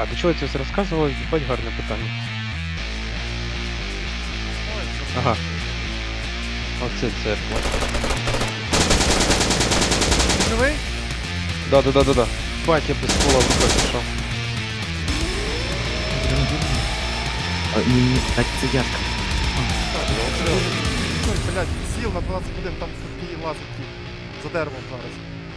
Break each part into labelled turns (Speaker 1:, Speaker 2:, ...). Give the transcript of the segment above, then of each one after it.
Speaker 1: А, до чого я це розказував? Їбать, гарне питання. Ага. Оце церква.
Speaker 2: Живий?
Speaker 1: Да. Бать, я без ствола в руках пішов.
Speaker 3: Ні, так це ярко.
Speaker 2: Ой, блядь, сів на 12 годин, там такі лазить ті. За деревом зараз.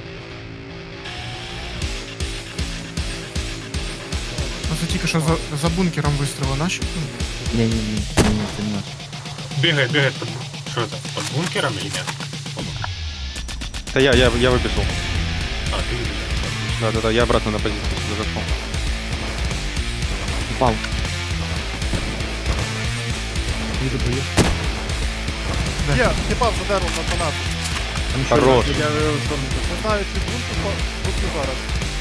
Speaker 4: Ну це тільки що за бункером вистріли наші?
Speaker 3: Ні, це не наш.
Speaker 5: Бегает под... Что это? Под бункером или нет?
Speaker 1: Та я вибіжу.
Speaker 5: А, ты видишь.
Speaker 1: Да, я обратно на позицію сюди зайшов.
Speaker 3: Упав.
Speaker 2: Є, тіпав за деревом на 12.
Speaker 1: Хорош.
Speaker 2: Не знаю, чи бункер бункер зараз.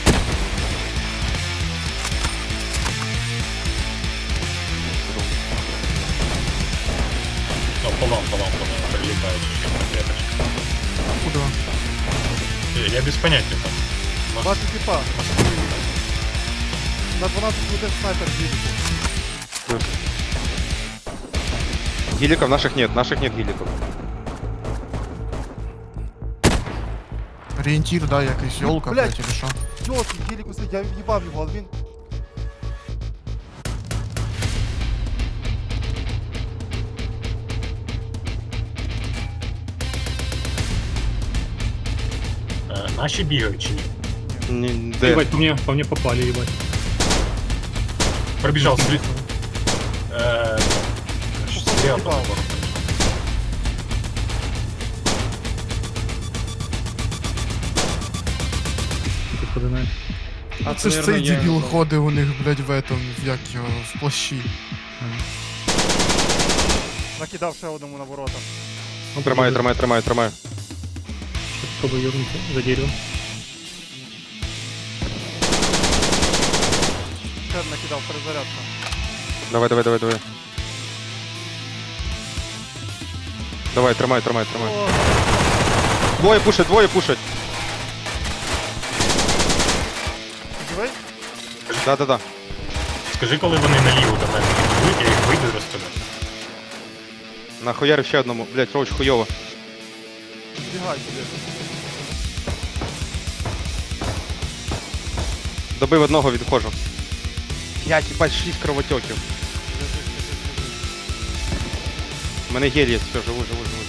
Speaker 5: Ну, по вам прилетает веточка.
Speaker 4: Куда?
Speaker 5: Я без понятия там. Может,
Speaker 2: Бачу тіпа. На 12 годин снайпер їде.
Speaker 1: Геликов наших нет геликов.
Speaker 4: Орієнтір, да, якийсь йолка,
Speaker 2: блядь.
Speaker 4: блядь, или що?
Speaker 2: Йолки, геліку сидить, я в'їбав його, але він...
Speaker 5: наши бегают, чи нет?
Speaker 1: Де?
Speaker 6: Ебать, по мне попали, ебать.
Speaker 5: Пробежал след. Стрелял по
Speaker 2: Ебал.
Speaker 5: забору.
Speaker 6: Ты подумаешь.
Speaker 4: А це ж цей дебіл ходить у них, блядь, в этом, як його, в плащі.
Speaker 2: Накидав ще одному на ворота.
Speaker 1: Тримаю.
Speaker 6: Чтобы ёбнуться за деревом.
Speaker 2: Ще накидав перезарядка.
Speaker 1: Давай. Давай, тримай.
Speaker 2: О,
Speaker 1: Двоє пушать.
Speaker 2: живий?
Speaker 1: Да.
Speaker 5: Скажи, коли вони наліво до мене підійдуть, я їх вийду і розстріляю.
Speaker 1: Нахуярив ще одному. Блять, роуч хуйово.
Speaker 2: Бігай сюди.
Speaker 1: Добив одного, відходжу. Блять, їбать, 6 кровотеків. У мене гель є, все, живу.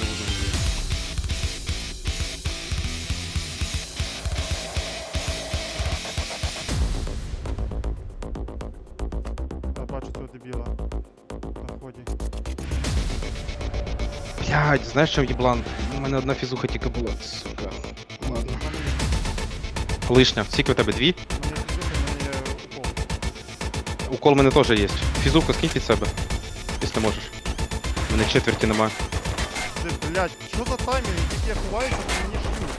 Speaker 2: Я бачу цього дебіла. На ході.
Speaker 1: Блять, знаєш, що їблан? У мене одна фізуха тільки була, сука. Ладно. Лишня. Скільки у тебе? Дві?
Speaker 2: Мені фізуха, мені є укол.
Speaker 1: Укол у мене теж є. Фізуха скинь під себе, якщо можеш. У мене четверті нема.
Speaker 2: Ти, блядь, що за таймінг? Тільки я ховаюся, то мені шкіл.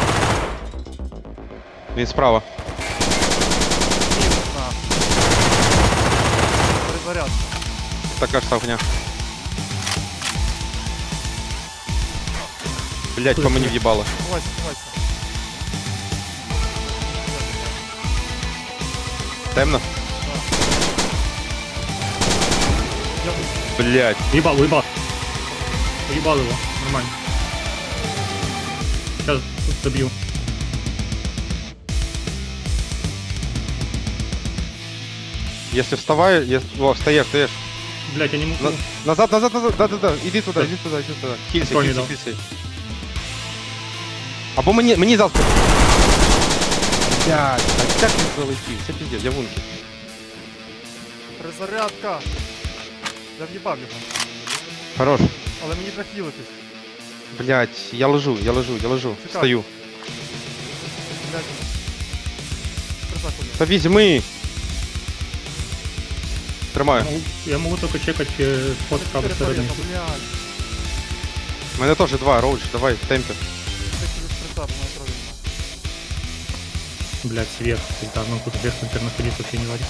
Speaker 1: Він справа.
Speaker 2: Мінус на. Перезарядка.
Speaker 1: Така ж савня. Блять, по мені в'їбало.
Speaker 2: Ховайся.
Speaker 1: Темно?
Speaker 2: Я
Speaker 1: Блять.
Speaker 6: Уебал. Уебал его, нормально. Сейчас добью.
Speaker 1: Если вставаю, О, встаєш.
Speaker 6: Блять, я не могу.
Speaker 1: Назад. Да. Іди туди. Хілься.
Speaker 6: Хто не дав?
Speaker 1: Або мені завтра. Блять, так не пролетів. Це піздець, я вунки.
Speaker 2: Перезарядка. Я в'їбав його.
Speaker 1: Хорош.
Speaker 2: Але мені треба хілитись.
Speaker 1: Блять, я лежу.
Speaker 2: Чекай.
Speaker 1: Встаю.
Speaker 2: Блядь. Присак один.
Speaker 1: Та візьми. Тримаю.
Speaker 6: Я могу только чекать ход с правой стороны.
Speaker 2: Блядь.
Speaker 1: У мене теж два, роуч, давай, в темпі.
Speaker 2: Ти через прицап на крові.
Speaker 6: Блять, свет. Пизда, ну тут вверх, например, находиться вообще не варит.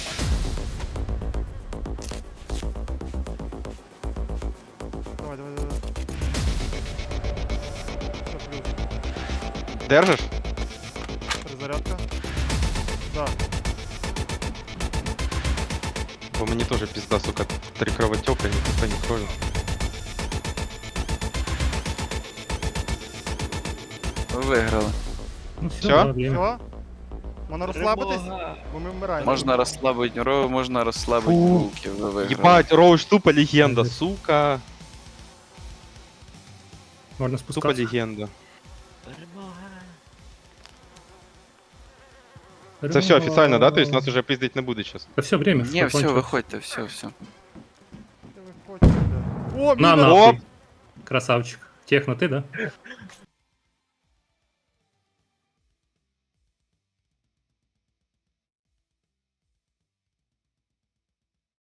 Speaker 2: Давай. Все, плюс.
Speaker 1: Держиш?
Speaker 2: Перезарядка. Да.
Speaker 1: Бо мені теж пізда, сука, 3 кровотека, ні купа, ні крові.
Speaker 7: Ви виграли.
Speaker 6: Ну все,
Speaker 1: Всё?
Speaker 6: да, б'ємо.
Speaker 2: Все? Можна розслабитись? Бо ми вмираємо.
Speaker 7: Можна розслабити Ро, можна розслабити
Speaker 1: Фу.
Speaker 7: булки, ви виграли.
Speaker 1: Єбать, Роуч тупо легенда, сука.
Speaker 6: Можна
Speaker 1: Тупо
Speaker 6: спускатися.
Speaker 1: легенда. Це все офіційно, да? Тобто нас уже пиздить не буде зараз.
Speaker 6: Та все, время.
Speaker 7: Ні, все,
Speaker 6: кончилось.
Speaker 7: виходьте, все.
Speaker 2: Де ви хочете, блядь? О,
Speaker 6: На,
Speaker 2: міна!
Speaker 6: нахуй.
Speaker 1: Оп!
Speaker 6: Красавчик. Техно, ти, да?